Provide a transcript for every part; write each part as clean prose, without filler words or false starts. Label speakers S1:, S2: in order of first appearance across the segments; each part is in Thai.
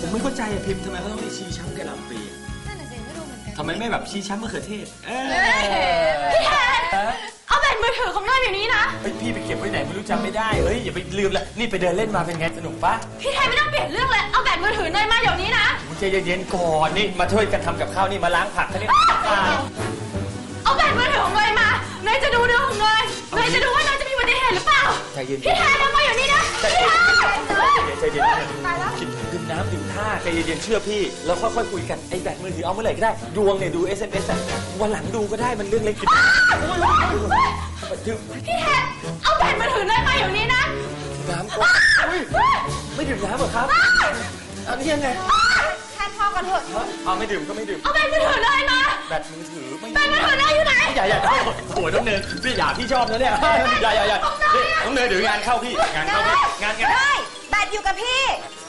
S1: ผมไม่เข้าใจพิมพ์ทำไมเขาต้องให้ชี้ช้ำกระหล่ำปลี
S2: นั่นน่ะสิไม่รู้เหมือนกัน
S1: ทำไมไม่แบบชี้ช้ำมะเขือเทศ
S2: พี่แทนเอาแบตมือถือของเนยอยู่นี้นะ
S1: พี่ไปเก็บไว้ไหนไม่รู้จำไม่ได้อย่าไปลืมละนี่ไปเดินเล่นมาเป็นไงสนุกปะ
S2: พี่แทนไม่ต้องเปลี่ยนเรื่องเลยเอาแบตมือถือเนยมาเดี๋ยวนี้นะ
S1: ใจเย็นๆก่อนนี่มาช่วยกันทำกับข้าวนี่มาล้างผักเขาเนี่ย
S2: เอาแบตมือถือของเนยมาเนยจะดูเรื่องของเนยจะดูว่าเนยจะมีอุบัติเหตุหรือเปล่าพี่แทนเอามาอยู่นี่นะ
S1: ใจเย็นดื่มน้ำดื่มท่าใจเย็นๆเชื่อพี่แล้วค่อยๆคุยกันไอ้แบตมือถือเอาเมื่อไหร่ก็ได้ดวงเนี่ยดู SMS วันหลังดูก็ได้มันเรื่องเล็ก
S2: พี่แทนเอาแบตมือถือเนยมาอยู่นี่นะ
S1: น้ำก่อนไม่ดื่มน้ำเหรอครับอันนี้ยังไง
S2: แทนพอกันเถอะ
S1: เอาไม่ดื่มก็ไม่ดื่ม
S2: เอาแบตมือถือเนยมา
S1: แบตมือถือไม่
S2: แบตมือถือเนยอยู่ไหน
S1: อย่าโอ้ยน้องเนยพี่ชอบนะเนี่ยอย่าน้องเนยเดี๋ยวงานเข้าพี่งาน
S2: ได้แบตอยู่กับพี่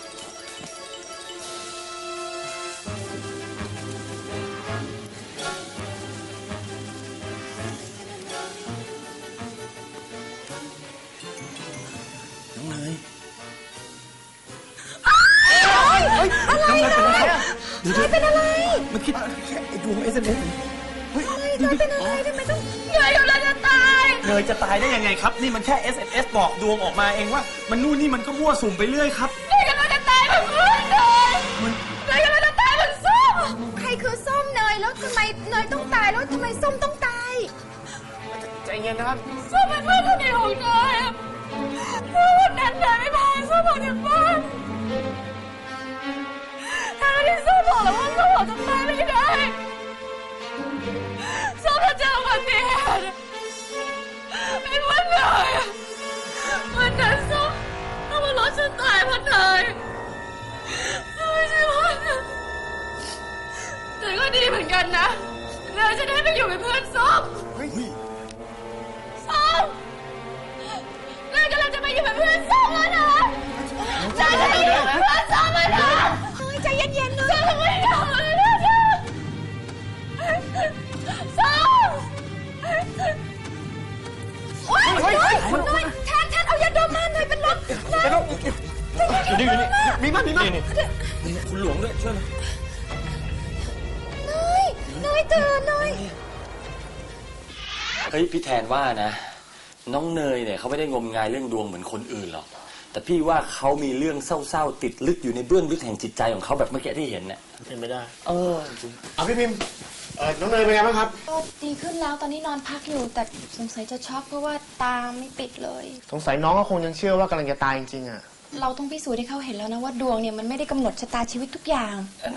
S2: เป็นอะไร
S1: มันคิดไอ้ดวง SMS
S2: เนยเป็นอะไรทำไมต้องเนยกำลังจะตาย
S1: เนยจะตายได้ยังไงครับนี่มันแค่ SMS บอกดวงออกมาเองว่ามันนู่นนี่มันก็มั่วสุ่มไปเรื่อยครับ
S2: เนยกำลังจะตายเหมือนเพื่อนเลยเนยกำลังจะตายเหมือนส้มใครคือส้มเนยแล้วทำไมเนยต้องตายแล้วทำไมส้มต้องตาย
S1: ใจเย็นนะครับ
S2: ส้มเป็นเพื่อนคนเดียวของเนยถ้าวันนั้นเนยไม่พาส้มออกจากบ้านที่ส้มบอกแล้วว่าส้มออกจากบ้านไม่ได้ส้มจะเจออุบัติเหตุเป็นวันเนยวันนั้นส้มต้องมารถฉันตายเพราะเนยไม่ใช่ว่าแต่ก็ดีเหมือนกันนะเนยจะได้ไปอยู่เป็นเพื่อนส้มส้มเนยกำลังจะไปอยู่เป็นเพื่อนส้มแล้วนะเนยจะไปอยู่เป็นเพื่อนส้มแล้วนะใจเย็นๆเลยส้มไม่ทำอะไรนะส้มโอ๊ยแทนเอายาดมมาหน่อยเป็นลม
S1: อยู่นี่มีมั้ยคุณหลวงด้วยช่วย
S2: เนยตื่นเนย
S1: เฮ้ยพี่แทนว่านะน้องเนยเนี่ยเขาไม่ได้งมงายเรื่องดวงเหมือนคนอื่นหรอกแต่พี่ว่าเขามีเรื่องเศร้าๆติดลึกอยู่ในเบื้องลึกแห่งจิตใจของเขาแบบเมื่อกี้ที่เห็นเนี่ย
S3: เป็นไม่ได้เอาพี่พิมพ์น้องเนยเป็นไงบ้างครับ
S2: ก็ดีขึ้นแล้วตอนนี้นอนพักอยู่แต่สงสัยจะช็อกเพราะว่าตาไม่ปิดเลย
S3: สงสัยน้องก็คงยังเชื่อว่ากำลังจะตายจริงๆอ่ะ
S2: เราต้องพิสูจน์ให้เขาเห็นแล้วนะว่าดวงเนี่ยมันไม่ได้กำหนดชะตาชีวิตทุกอย่าง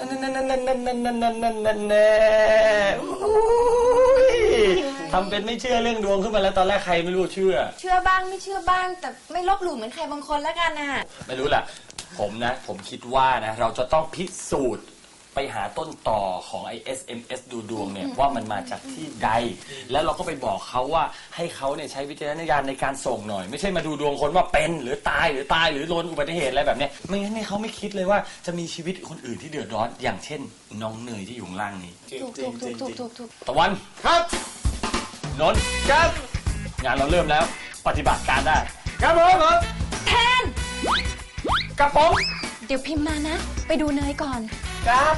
S1: ทำเป็นไม่เชื่อเรื่องดวงขึ้นมาแล้วตอนแรกใครไม่รู้เชื่
S2: อบ้างไม่เชื่อบ้างแต่ไม่ลบหลู่เหมือนใครบางคนแล้วกันนะ
S1: ไม่รู้แหละผมคิดว่านะเราจะต้องพิสูจน์ไปหาต้นต่อของไอ้ SMS ดูดวงเนี่ยว่ามันมาจากที่ใดแล้วเราก็ไปบอกเขาว่าให้เขาเนี่ยใช้วิจารณญาณในการส่งหน่อยไม่ใช่มาดูดวงคนว่าเป็นหรือตายหรือโดนอุบัติเหตุอะไรแบบนี้ไม่งั้นเนี่ยเขาไม่คิดเลยว่าจะมีชีวิตคนอื่นที่เดือดร้อนอย่างเช่นน้องเนยที่อยู่ข้างล่างนี้
S2: ถูก
S1: ตะวัน
S3: ครับ
S1: นนท์ครับงานเราเริ่มแล้วปฏิบัติการได้
S3: ครับผม
S2: แทน
S1: กระป๋อง
S2: เดี๋ยวพิมพ์มานะไปดูเนยก่อน
S3: ครับ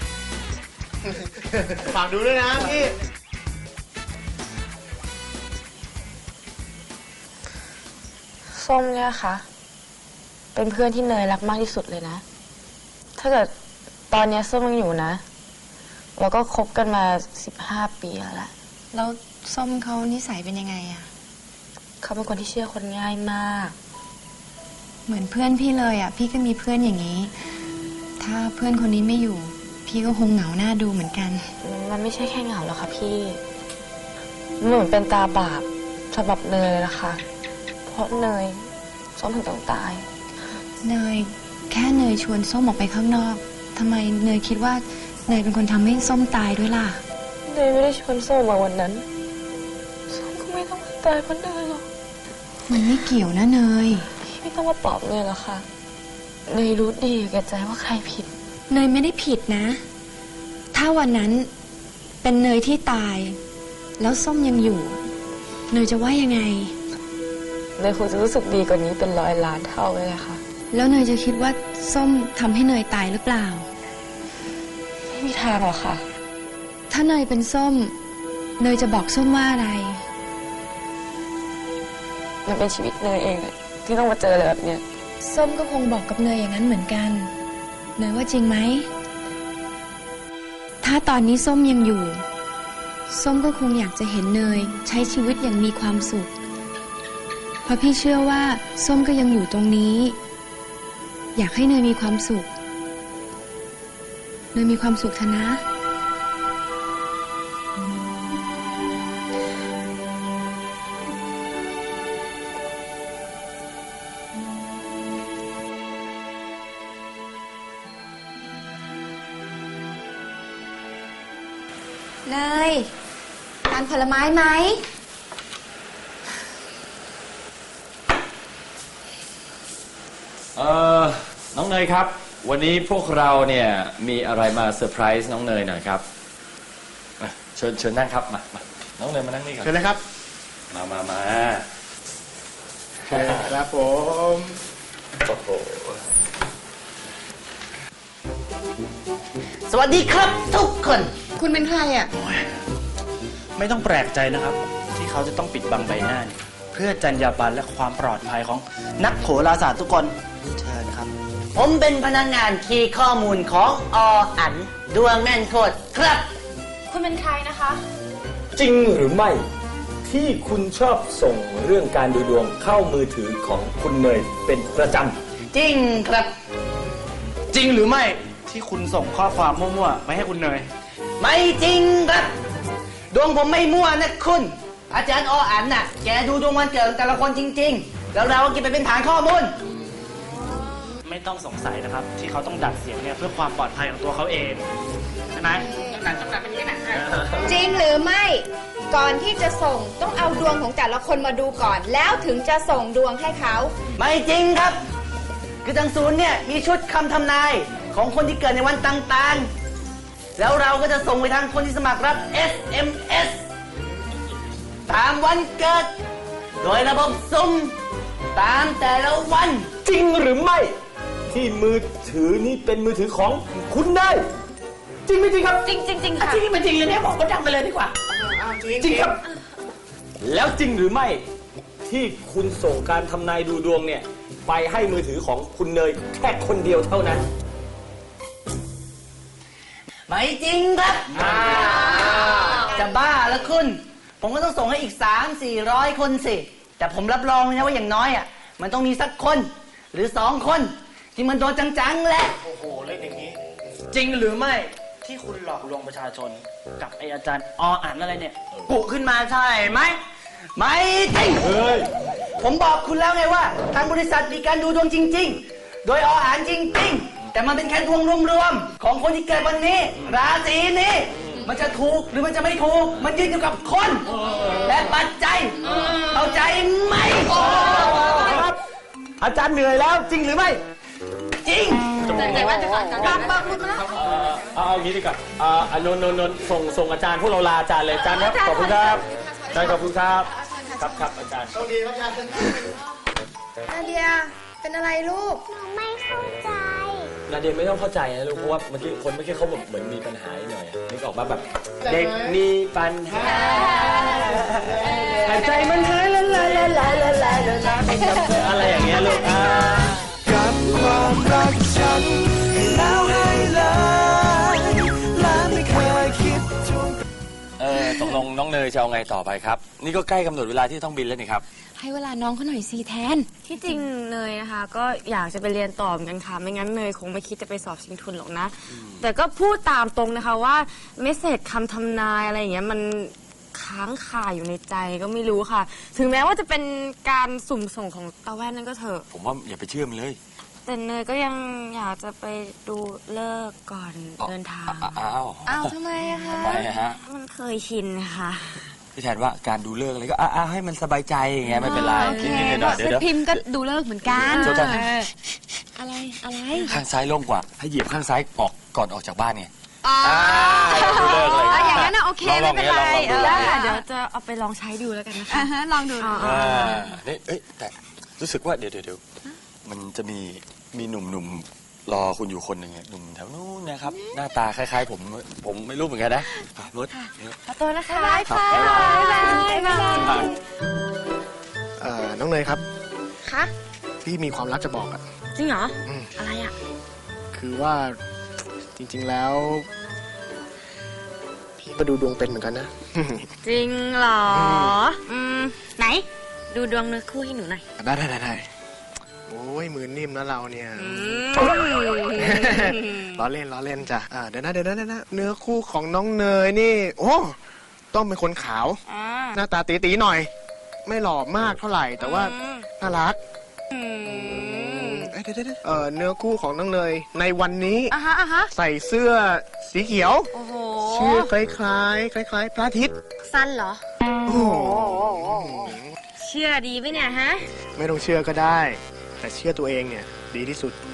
S3: ฝากดูด้วยนะพี่
S4: ส้มเนี่ยค่ะเป็นเพื่อนที่เนยรักมากที่สุดเลยนะถ้าเกิดตอนนี้ส้มยังอยู่นะเราก็คบกันมา15 ปีแล้ว
S2: ส้มเขานิสัยเป็นยังไงอะ
S4: เขาเป็นคนที่เชื่อคนง่ายมาก
S2: เหมือนเพื่อนพี่เลยอะพี่ก็มีเพื่อนอย่างนี้ถ้าเพื่อนคนนี้ไม่อยู่พี่ก็คงเหงาหน้าดูเหมือนกัน
S4: มันไม่ใช่แค่เหงาหรอกค่ะพี่เหมือนเป็นตาบาปสำหรับเนยเลยนะคะเพราะเนยส้มถึงต้องตาย
S2: เนยแค่เนยชวนส้มออกไปข้างนอกทำไมเนยคิดว่าเนยเป็นคนทำให้ส้มตายด้วยล่ะ
S4: เนยไม่ได้ชวนส้มมาวันนั้นส้มก็ไม่ต้องตายเพราะเนยหรอก
S2: มันไม่เกี่ยวนะเนย
S4: พี่ไม่ต้องมาปลอบเนยหรอกค่ะเนยรู้ดีแก่ใจว่าใครผิด
S2: เนยไม่ได้ผิดนะถ้าวันนั้นเป็นเนยที่ตายแล้วส้มยังอยู่เนยจะว่ายังไง
S4: เนยคงจะรู้สึกดีกว่านี้เป็น100 ล้านเท่าเลยค่ะ
S5: แล้วเนยจะคิดว่าส้มทำให้เนยตายหรือเปล่า
S4: ไม่มีทางหรอกค่ะ
S5: ถ้าเนยเป็นส้ม เนยจะบอกส้มว่าอะไร
S4: มันเป็นชีวิตเนยเองเลยที่ต้องมาเจออะไรแบบเนี้ย
S5: ส้มก็คงบอกกับเนยอย่างนั้นเหมือนกัน เนยว่าจริงไหม ถ้าตอนนี้ส้มยังอยู่ ส้มก็คงอยากจะเห็นเนยใช้ชีวิตอย่างมีความสุข เพราะพี่เชื่อว่าส้มก็ยังอยู่ตรงนี้ อยากให้เนยมีความสุข เนยมีความสุขเถอะนะ
S6: เนยทานผลไม้ไหม
S1: น้องเนยครับ วันนี้พวกเราเนี่ยมีอะไรมาเซอร์ไพรส์น้องเนยหน่อยครับเชิญนั่งครับมาน้องเนยมานั่งนี่ก่อน
S3: เชิญเลยครับ
S1: มา
S3: ครับผม
S1: โอ้โห
S7: สวัสดีครับทุกคน
S5: คุณเป็นใครอ่ะ
S8: ไม่ต้องแปลกใจนะครับ ที่เขาจะต้องปิดบังใบหน้าเนี่ยเพื่อจรรยาบรรณและความปลอดภัยของนักโหราศาสตร์ทุกคนเชิญครับ
S7: ผมเป็นพนักงานคีย์ข้อมูลของอันดวงแม่นโคตรครับ
S2: คุณเป็นใครนะคะ
S1: จริงหรือไม่ที่คุณชอบส่งเรื่องการดูดวงเข้ามือถือของคุณเนยเป็นประจ
S7: จริงครับ
S8: จริงหรือไม่ที่คุณส่งข้อความมั่วๆไปให้คุณเนย
S7: ไม่จริงครับ ดวงผมไม่มั่วนะคุณ อาจารย์อันน่ะแกดูดวงวันเกิดของแต่ละคนจริง ๆ แล้วเราก็เก็บไปเป็นฐานข้อมูล
S8: ไม่ต้องสงสัยนะครับ ที่เขาต้องดัดเสียงเนี่ยเพื่อความปลอดภัยของตัวเขาเองใช่ไหม
S6: จริงหรือไม่ ก่อนที่จะส่งต้องเอาดวงของแต่ละคนมาดูก่อน แล้วถึงจะส่งดวงให้เขา
S7: ไม่จริงครับ คือทางศูนย์เนี่ยมีชุดคำทำนายของคนที่เกิดในวันต่างๆ แล้วเราก็จะส่งไปทางคนที่สมัครรับ SMS ตามวันเกิด โดยระบบสุ่มตามแต่ละวัน
S1: ำจริงหรือไม่ที่มือถือนี้เป็นมือถือของคุณเนยจริงไม่จริงครับ
S2: จริงค่ะ
S7: จริงไม่จริงเลยเนี่ยบอกก็ดังไปเลยดีกว่า
S1: จริงครับ แล้วจริงหรือไม่ที่คุณส่งการทำนายดูดวงเนี่ยไปให้มือถือของคุณเนยแค่คนเดียวเท่านั้น
S7: ไม่จริงครับจะบ้าแล้วคุณ ผมก็ต้องส่งให้อีก 300-400 คนสิ แต่ผมรับรองเลยนะว่าอย่างน้อยอ่ะมันต้องมีสักคนหรือ2 คนที่มันโดนจังๆแหละ
S3: โอ้โห เล่นอย่างนี้
S8: จริงหรือไม่ที่คุณหลอกลวงประชาชนกับไออาจารย์อันอะไรเนี่ยกุขึ้นมาใช่ไหม
S7: ไม่จริง ผมบอกคุณแล้วไงว่าทางบริษัทมีการดูดวงจริง ๆ โดยอันจริง ๆ แต่มันเป็นแค่ดวงรวมๆของคนที่เกิดวันนี้ ราศีนี้ มันจะถูกหรือมันจะไม่ถูก มันยืนอยู่กับคน และปัจจัยเข้าใจไหม
S1: อาจารย์เหนื่อยแล้วจริงหรือไม่
S7: จริง
S2: แต่ว่าจะก่อนบังคุณนะ
S1: เอางี้ดีกว่านนท์ส่งอาจารย์พวกเราลาอาจารย์เลยอาจารย์ครับขอบคุณครับอาจารย์ขอบคุณครับครับอาจารย์
S3: โชคดีครับอาจารย์
S6: นาเดีย เป็นอะไรลูก
S1: นาเดียไม่ต้องเข้าใจนะลูกเพราะว่าเมื่อกี้เขาแบบเหมือนมีปัญหาหน่อยนึกออกมาแบบเด็กมีปัญหาหายใจมันหายละลายอะไรอย่างเงี้ยลูก
S9: กับความรักฉันแล้วให้เลยและไม่เคยคิดทวง
S1: ตกลงน้องเนยจะเอาไงต่อไปครับ นี่ก็ใกล้กำหนดเวลาที่ต้องบินแล้วนี่ครับ
S5: ให้เวลาน้องเขาหน่อยสิแทน
S4: ที่จริงเนยนะคะ ก็อยากจะไปเรียนต่อเหมือนกันค่ะไม่งั้นเนยคงไม่คิดจะไปสอบชิงทุนหรอกนะ แต่ก็พูดตามตรงนะคะว่าเมสเซจคำทำนายอะไรอย่างเงี้ยมันค้างคาอยู่ในใจก็ไม่รู้ค่ะ ถึงแม้ว่าจะเป็นการสุ่มส่งของตาแว่นนั่นก็เถอะ
S1: ผมว่าอย่าไปเชื่อมันเลย
S4: แต่เนยก็ยังอยากจะไปดูเลิกษ์ก่อนเดินทาง
S5: อ้าวทำไมอะคะ
S1: ทำไมอะฮะ
S4: มันเคยชินค่ะ
S1: พี่แทนว่าการดูเลิกอะไรก็ให้มันสบายใจอย่างเงี้ยไม่เป็นไรนิดๆหน่อยๆเดี๋ยว
S5: พิมพ์ก็ดูเลิกเหมือนกัน
S1: โจทย์
S5: อะไรอะไร
S1: ข้างซ้ายโล่งกว่า ให้เหยียบข้างซ้ายออกก่อนออกจากบ้านไง
S5: อ๋อ
S1: ดูเลิกเลย
S5: อย่างนั้นนะโอเคไม่เป็นไร
S1: ลอง
S4: ได้ค่ะเดี๋ยวจะเอาไปลองใช้ดูแล้วกันนะคะ
S5: ลองดู
S1: นี่แต่รู้สึกว่าเดี๋ยวมันจะมีมีหนุ่มๆรอคุณอยู่คนหนึ่งหนุ่มแถวนู้นนะครับ หน้าตาคล้ายๆผมไม่รู้เหมือนกันนะรถ
S4: ขอตัวนะคะบ๊ายบาย
S1: ครับ
S4: ค่ะบ๊ายบาย
S3: น้องเนยครับ
S4: คะ
S3: พี่มีความลับจะบอกอะ
S4: จริงเหรอ
S3: อืม
S4: อะไรอ่ะ
S3: คือว่าจริงๆแล้ว พี่ก็ดูดวงเป็นเหมือนกันนะ
S4: จริงเหรอ ไหน ดูดวงเนื้อคู่ให้หนูหน่อย
S3: ได้โอ้ยมือนิ่มนะเราเนี่ยล้อเล่นจ้ะเดี๋ยวนะเนื้อคู่ของน้องเนยนี่โอ้ต้องเป็นคนขาว หน้าตาตีๆหน่อย ไม่หล่อมากเท่าไหร่ แต่ว่าน่ารักเดี๋ยวเนื้อคู่ของน้องเนยในวันนี้ใส่เสื้อสีเขียว
S4: โอ้โห
S3: ชื่อคล้ายพระอาทิตย์
S4: สั้นเหรอ
S3: โอ้โห
S4: เชื่อดีไหมเนี่ยฮะ
S3: ไม่ต้องเชื่อก็ได้ แต่เชื่อตัวเองเนี่ยดีที่สุด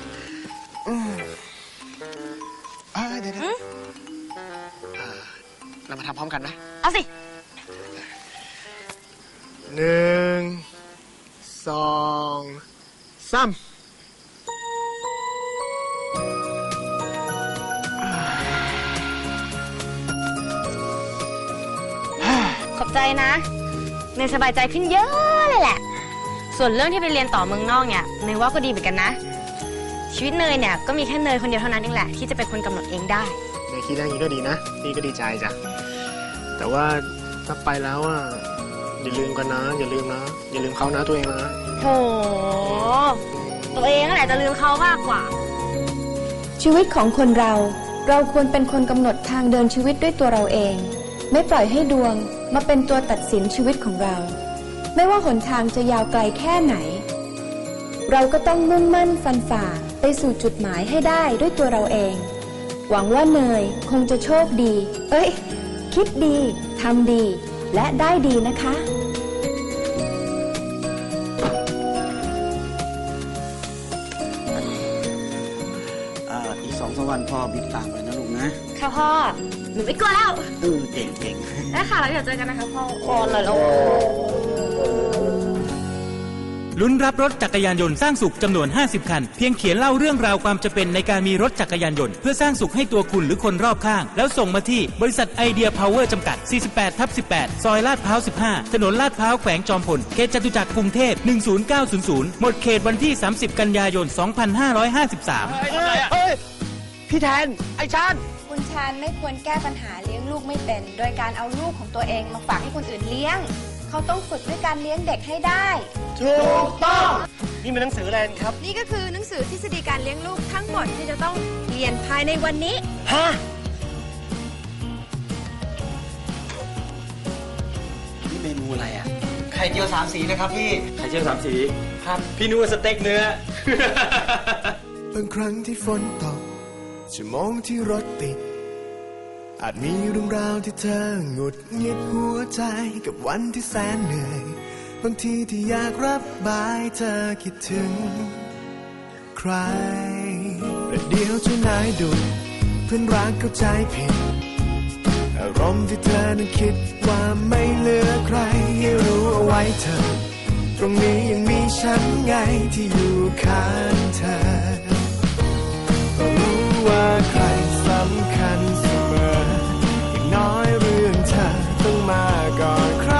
S3: เดี๋ยวเรามาทำพร้อมกันนะ
S4: เอาสิ
S3: 1 2 3
S4: ขอบใจนะเนยสบายใจขึ้นเยอะเลยแหละ ส่วนเรื่องที่ไปเรียนต่อเมืองนอกเนี่ยเนยว่าก็ดีเหมือนกันนะ ชีวิตเนยเนี่ยก็มีแค่เนยคนเดียวเท่านั้นเองแหละที่จะเป็นคนกำหนดเองได้
S3: ในคิดได้อย่างนี้ก็ดีนะพี่ก็ดีใจจ้ะแต่ว่าถ้าไปแล้วอ่ะอย่าลืมกันนะอย่าลืมเขานะตัวเองนะ
S4: โถตัวเองนั่นแหละจะลืมเขามากกว่า
S5: ชีวิตของคนเราควรเป็นคนกำหนดทางเดินชีวิตด้วยตัวเราเอง ไม่ปล่อยให้ดวงมาเป็นตัวตัดสินชีวิตของเรา ไม่ว่าหนทางจะยาวไกลแค่ไหน เราก็ต้องมุ่งมั่นฟันฝ่าไปสู่จุดหมายให้ได้ด้วยตัวเราเอง หวังว่าเนยคงจะโชคดี คิดดีทำดีและได้ดีนะคะ
S8: อีก2-3 วันพ่อบินตามไปนะลูกนะ
S4: ค่ะพ่อ หนูไม่กลัวแล้ว
S8: เก่ง
S4: ได้ค่ะแล้วเดี๋ยวเจอกันนะคะพ่อคอนเลยแล้ว
S10: ลุ้นรับรถจักรยานยนต์สร้างสุขจำนวน50 คันเพียงเขียนเล่าเรื่องราวความจำเป็นในการมีรถจักรยานยนต์เพื่อสร้างสุขให้ตัวคุณหรือคนรอบข้างแล้วส่งมาที่บริษัทไอเดียพาวเวอร์จำกัด 48/18 ซอยลาดพร้าว 15 ถนนลาดพร้าวแขวงจอมพลเขตจตุจักรกรุงเทพ10900หมดเขตวันที่30 กันยายน 2553
S7: พี่แทนไอ้ชาญ
S6: คุณชาญไม่ควรแก้ปัญหาเลี้ยงลูกไม่เป็น โดยการเอาลูกของตัวเองมาฝากให้คนอื่นเลี้ยง เขาต้องฝึกด้วยการเลี้ยงเด็กให้ได้
S3: ถูกต้องนี่เป็นหนังสืออะไรครับ
S6: นี่ก็คือหนังสือทฤษฎีการเลี้ยงลูกทั้งหมดที่จะต้องเรียนภายในวันนี้
S3: ฮะนี่เมนูอะไรอ่ะ
S7: ไข่เจียว3 สีนะครับพี่
S1: ไข่เจียว3 สี
S7: ครับ
S1: พี่นึกว่าสเต็กเนื้อ
S9: บางครั้งที่ฝนตกชั่วโมงที่รถติดอาจมีเรื่องราวที่เธอหงุดหงิดหัวใจกับวันที่แสนเหนื่อยบางทีที่อยากรับบายเธอคิดถึงใครแต่เดี๋ยวเจ้านายดุเพื่อนรักเข้าใจผิดอารมณ์ที่เธอนั้นคิดว่าไม่เหลือใครให้รู้เอาไว้เธอตรงนี้ยังมีฉันไงที่อยู่ข้างเธอรู้ว่าใครสำคัญเสมออย่างน้อยเรื่องเธอต้องมาก่อนใคร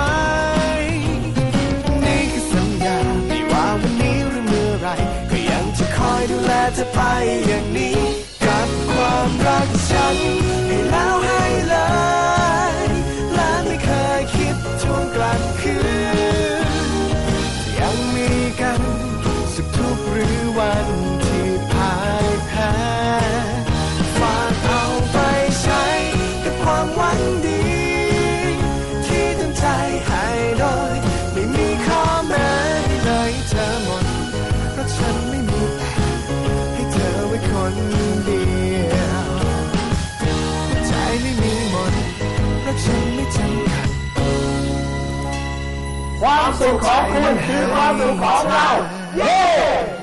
S9: นี่คือสัญญาไม่ว่าวันนี้หรือเมื่อไรก็ยังจะคอยดูแลเธอไปอย่างนี้กับความรักฉันให้แล้วให้เลยและไม่เคยคิดทวงกลับคืนยังมีกันสุขทุกข์หรือวันที่พ่ายแพ้ฝากเอาไปใช้กับความหวังดีที่ตั้งใจให้โดยไม่มีข้อแม้เลยเธอหมดเพราะฉันไม่มีแต่ให้เธอไว้คนเดียวใจไม่มีหมดเพราะฉันไม่จำกัด
S3: ความสุขของคุณคือความสุขของเรา เย้